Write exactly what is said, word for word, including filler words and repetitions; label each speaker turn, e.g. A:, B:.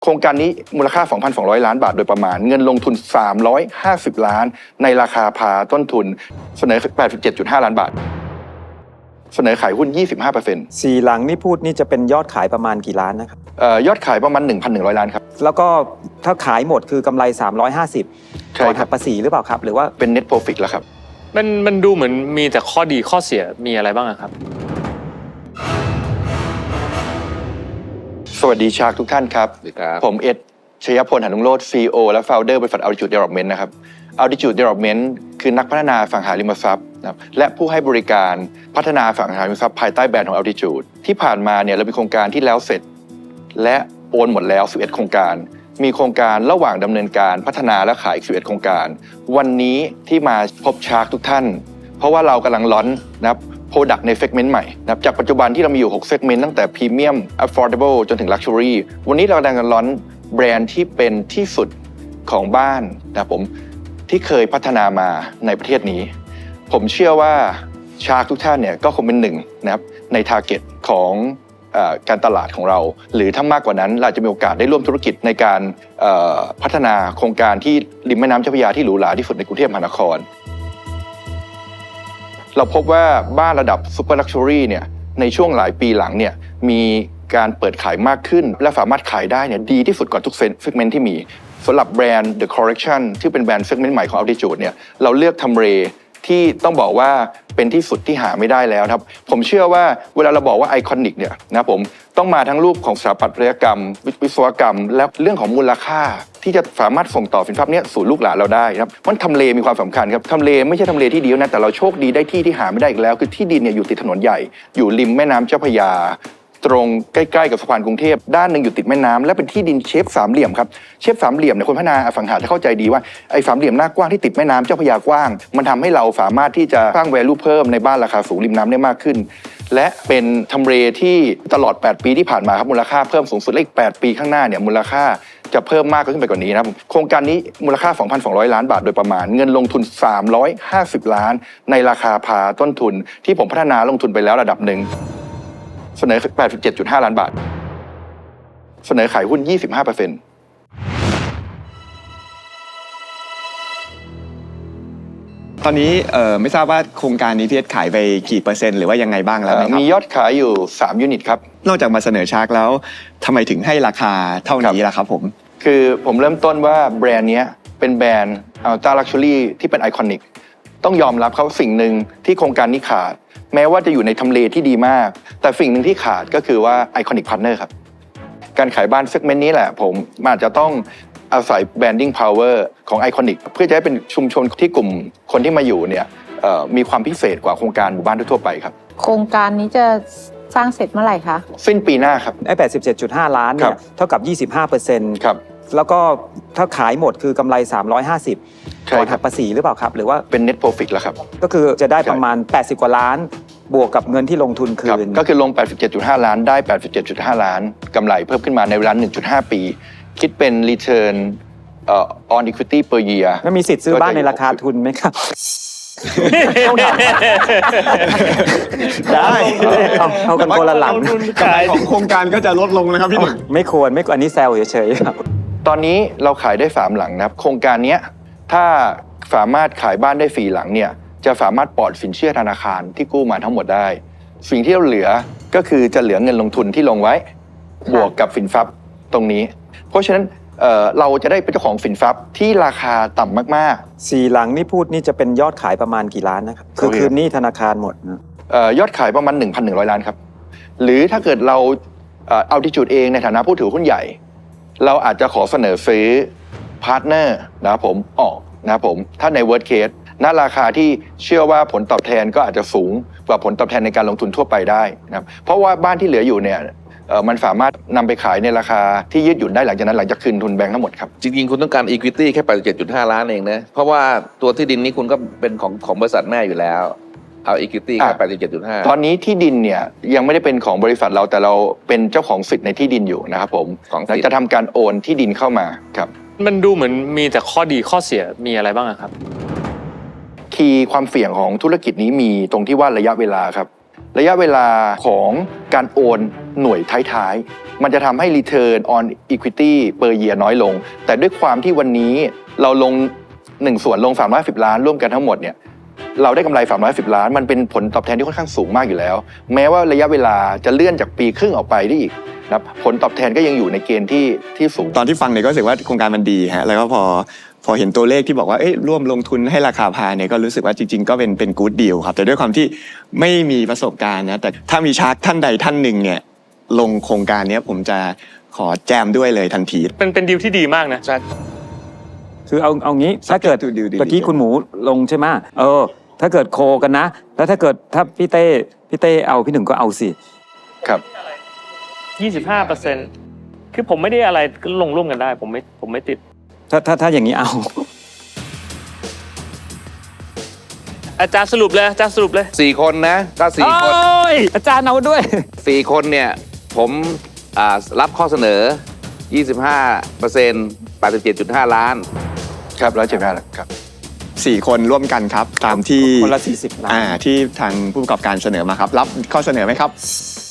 A: โครงการนี้มูลค่า สองพันสองร้อย ล้านบาทโดยประมาณเงินลงทุนสามร้อยห้าสิบล้านในราคาพาต้นทุนเสนอ แปดสิบเจ็ดจุดห้า ล้านบาทเสนอขายหุ้น ยี่สิบห้าเปอร์เซ็นต์
B: สี่หลังนี่พูดนี่จะเป็นยอดขายประมาณกี่ล้านนะครับ
A: เอ่อยอดขายประมาณ หนึ่งพันหนึ่งร้อย ล้านครับ
B: แล้วก็ถ้าขายหมดคือกำไรสามร้อยห้าสิบก่อนหักภาษีหรือเปล่าครับหรือว่า
A: เป็น net profit แล้วครับ
C: มันมันดูเหมือนมีแต่ข้อดีข้อเสียมีอะไรบ้างครับ
A: สวัสดีชาร์กทุกท่านครับผมเอ็ดชยพล หนุโรจน์ ซี อี โอ และ Founder บริษัท Altitude Development นะครับ Altitude Development คือนักพัฒนาอสังหาริมทรัพย์นะครับและผู้ให้บริการพัฒนาอสังหาริมทรัพย์ภายใต้แบรนด์ของ Altitude ที่ผ่านมาเนี่ยเรามีโครงการที่แล้วเสร็จและโอนหมดแล้วสิบเอ็ดโครงการมีโครงการระหว่างดำเนินการพัฒนาและขายอีกสิบเอ็ดโครงการวันนี้ที่มาพบชาร์กทุกท่านเพราะว่าเรากำลังลอนช์นะครับProduct ใน segment ใหม่นะครับจากปัจจุบันที่เรามีอยู่ หก segment ตั้งแต่ Premium Affordable จนถึง Luxury วันนี้เรากำลังลอนช์แบรนด์ที่เป็นที่สุดของบ้านนะครับผมที่เคยพัฒนามาในประเทศนี้ผมเชื่อว่าชาร์กทุกท่านเนี่ยก็คงเป็นหนึ่งนะครับใน target ของเอ่อการตลาดของเราหรือถ้ามากกว่านั้นเราจะมีโอกาสได้ร่วมธุรกิจในการเอ่อพัฒนาโครงการที่ริมแม่น้ำเจ้าพระยาที่หรูหราที่สุดในกรุงเทพมหานครเราพบว่าบ้านระดับซูเปอร์ลักชัวรี่เนี่ยในช่วงหลายปีหลังเนี่ยมีการเปิดขายมากขึ้นและสามารถขายได้เนี่ยดีที่สุดกว่าทุกเซกเมนต์ที่มีสำหรับแบรนด์ The Collection ที่เป็นแบรนด์เซกเมนต์ใหม่ของ Altitude เนี่ยเราเลือกทำเลที่ต้องบอกว่าเป็นที่สุดที่หาไม่ได้แล้วครับผมเชื่อว่าเวลาเราบอกว่าไอคอนิกเนี่ยนะผมต้องมาทั้งรูปของสถาปัตยกรรมวิศวกรรมและเรื่องของมูลค่าที่จะสามารถส่งต่อสินทรัพย์นี้สู่ลูกหลานเราได้ครับมันทำเลมีความสำคัญครับทำเลไม่ใช่ทำเลที่เดียวนะแต่เราโชคดีได้ที่ที่หาไม่ได้อีกแล้วคือที่ดินเนี่ยอยู่ติดถนนใหญ่อยู่ริมแม่น้ำเจ้าพระยาตรงใกล้ๆกับสะพานกรุงเทพด้านหนึ่งอยู่ติดแม่น้ำและเป็นที่ดินเชฟสามเหลี่ยมครับเชฟสามเหลี่ยมเนี่ยคนพัฒนาอสังหาจะเข้าใจดีว่าไอ้สามเหลี่ยมหน้ากว้างที่ติดแม่น้ำเจ้าพระยากว้างมันทำให้เราสามารถที่จะสร้าง value เพิ่มในบ้านราคาสูงริมน้ำได้มากขึ้นและเป็นทำเลที่ตลอดแปดปีที่ผ่านมาครับมูลค่าเพิ่มสูงสุดและอีกแปดปีข้างหน้าเนี่ยมูลค่าจะเพิ่มมากขึ้นไปกว่านี้นะครับโครงการนี้มูลค่า สองพันสองร้อย ล้านบาทโดยประมาณเงินลงทุนสามร้อยห้าสิบล้านในราคาพาต้นทุนที่ผมพัฒนาลงทุนไปแล้วระดับหนึ่งเสนอ แปดสิบเจ็ดจุดห้า ล้านบาทเสนอขายหุ้น ยี่สิบห้าเปอร์เซ็นต์
D: ตอนนี้เอ่อไม่ทราบว่าโครงการนี้พี่เอสขายไปกี่เปอร์เซ็นต์หรือว่ายังไงบ้างแล้วนะครับ
A: มียอดขายอยู่สามยูนิตครับ
D: นอกจากมาเสนอชาร์กแล้วทำไมถึงให้ราคาเท่านี้ล่ะครับผม
A: คือผมเริ่มต้นว่าแบรนด์นี้เป็นแบรนด์อัลต้าลักชัวรี่ที่เป็นไอคอนิกต้องยอมรับเขาสิ่งหนึ่งที่โครงการนี้ขาดแม้ว่าจะอยู่ในทำเลที่ดีมากแต่สิ่งหนึ่งที่ขาดก็คือว่าไอคอนิกพาร์ทเนอร์ครับการขายบ้านเซกเมนต์นี้แหละผมอาจจะต้องอาศัยแบรนดิ้งพาวเวอร์ของไอคอนิกเพื่อจะให้เป็นชุมชนที่กลุ่มคนที่มาอยู่เนี่ยมีความพิเศษกว่าโครงการหมู่บ้านทั่วไปครับ
E: โครงการนี้จะสร้างเสร็จเมื่อไหร่คะ
A: สิ้นปีหน้าครับ
B: ไอ้ แปดสิบเจ็ดจุดห้า ล้านเนี่ยเท่ากับ ยี่สิบห้าเปอร์เซ็นต์
A: ครับ
B: แล้วก็ถ้าขายหมดคือกำไรสามร้อยห้าสิบก่อนหักภาษีหรือเปล่าครับหรือว่า
A: เป็น net profit แล้วครับ
B: ก็คือจะได้ประมาณแปดสิบกว่าล้านบวกกับเงินที่ลงทุนคืน
A: ก็คือลง แปดสิบเจ็ดจุดห้า ล้านได้ แปดสิบเจ็ดจุดห้า ล้านกำไรเพิ่มขึ้นมาในเวลา หนึ่งจุดห้า ปีคิดเป็น return on equity per year
B: แล้วมีสิทธิ์ซื้อบ้านในราคาทุนไหมครับ
D: ได้
B: เอากันคนละหลัง
D: กำไรของโครงการก็จะลดลงนะครับพี่หนุ่ม
B: ไม่ควรไม่ควรอันนี้แซวเฉยๆครับ
A: ตอนนี้เราขายได้สามหลังนะครับโครงการนี้ถ้าสามารถขายบ้านได้สี่หลังเนี่ยจะสามารถปลอดสินเชื่อธนาคารที่กู้มาทั้งหมดได้สิ่งที่เราเหลือก็คือจะเหลือเงินลงทุนที่ลงไว้บวกกับสินทรัพย์ตรงนี้เพราะฉะนั้นเอ่อเราจะได้เป็นเจ้าของสินทรัพย์ที่ราคาต่ำมาก
B: ๆสี่หลังนี่พูดนี่จะเป็นยอดขายประมาณกี่ล้านนะครับคือคืนนี้ธนาคารหมดนะ
A: เอ่อยอดขายประมาณ หนึ่งพันหนึ่งร้อย ล้านครับหรือถ้าเกิดเราเอ่อ Altitude เองในฐานะผู้ถือหุ้นใหญ่เราอาจจะขอเสนอซื้อพาร์ทเนอร์นะครับผมออกนะครับผมถ้าใน worst case ณราคาที่เชื่อว่าผลตอบแทนก็อาจจะสูงกว่าผลตอบแทนในการลงทุนทั่วไปได้นะครับเพราะว่าบ้านที่เหลืออยู่เนี่ยมันสามารถนำไปขายในราคาที่ยืดหยุ่นได้หลังจากนั้นหลังจากคืนทุนแบงค์ทั้งหมดครับ
F: จริงๆคุณต้องการ equity แค่ แปดสิบเจ็ดจุดห้า ล้านเองนะเพราะว่าตัวที่ดินนี้คุณก็เป็นของของบริษัทแม่อยู่แล้วเอา equity แค่ แปดสิบเจ็ดจุดห้า
A: ตอนนี้ที่ดินเนี่ยยังไม่ได้เป็นของบริษัทเราแต่เราเป็นเจ้าของสิทธิ์ในที่ดินอยู่นะครับผมเราจะทำการโอนที่ดินเข้ามาครับ
C: มันดูเหมือนมีแต่ข้อดีข้อเสียมีอะไรบ้างครับ
A: คีย์ความเสี่ยงของธุรกิจนี้มีตรงที่ว่าระยะเวลาครับระยะเวลาของการโอนหน่วยท้ายๆมันจะทำให้ return on equity per year น้อยลง แต่ด้วยความที่วันนี้เราลงหนึ่งส่วนลงสามร้อยสิบล้านร่วมกันทั้งหมดเนี่ยเราได้กำไรสามร้อยสิบล้านมันเป็นผลตอบแทนที่ค่อนข้างสูงมากอยู่แล้ว แม้ว่าระยะเวลาจะเลื่อนจากปีครึ่งออกไปได้อีกนะครับผลตอบแทนก็ยังอยู่ในเกณฑ์ที่ที่สูง
D: ตอนที่ฟังเนี่ยก็รู้สึกว่าโครงการมันดีฮะแล้วก็พอพอเห็นตัวเลขที่บอกว่าเอ้ยร่วมลงทุนให้ราคาพาเนี่ยก็รู้สึกว่าจริงๆก็เป็นเป็นกู๊ดดีลครับแต่ด้วยความที่ไม่มีประสบการณ์นะแต่ถ้ามีชาร์กท่านใดท่านหนึ่งเนี่ยลงโครงการเนี้ยผมจะขอแจมด้วยเลยทันที
C: เป็นเป็นดีลที่ดีมากนะ
F: ใช่
B: คือเอาเอางี้ถ้าเกิด
D: to due diligence
B: เมื่อกี้คุณหมูลงใช่ไหมเออ ถ้าเกิดโคกันนะ แล้วถ้าเกิดถ้าพี่เต้พี่เต้เอาพี่หนึ่งก็เอาสิ
A: ครับ
C: ยี่สิบห้าเปอร์เซ็นต์ คือผมไม่ได้อะไรก็ลงร่วมกันได้ ผมไม่ผมไม่ติด
B: ถ้าถ้าถ้าอย่างนี้เอา
C: อาจารย์สรุปเลยอาจารย์สรุปเลย
F: สี่คนนะก็สี่คน
B: โอ้ยอาจารย์เอาด้วย
F: สี่คนเนี่ยผมอ่ารับข้อเสนอ ยี่สิบห้าเปอร์เซ็นต์ แปดสิบเจ็ดจุดห้า ล้าน
A: ครับร้อยเจ็ดสิบห้าครับ
D: สี่คนร่วมกันครับตามที่
B: คนละสี่สิบล้าน
D: อ่าที่ทางผู้ประกอบการเสนอมาครับรับข้อเสนอไหมครับ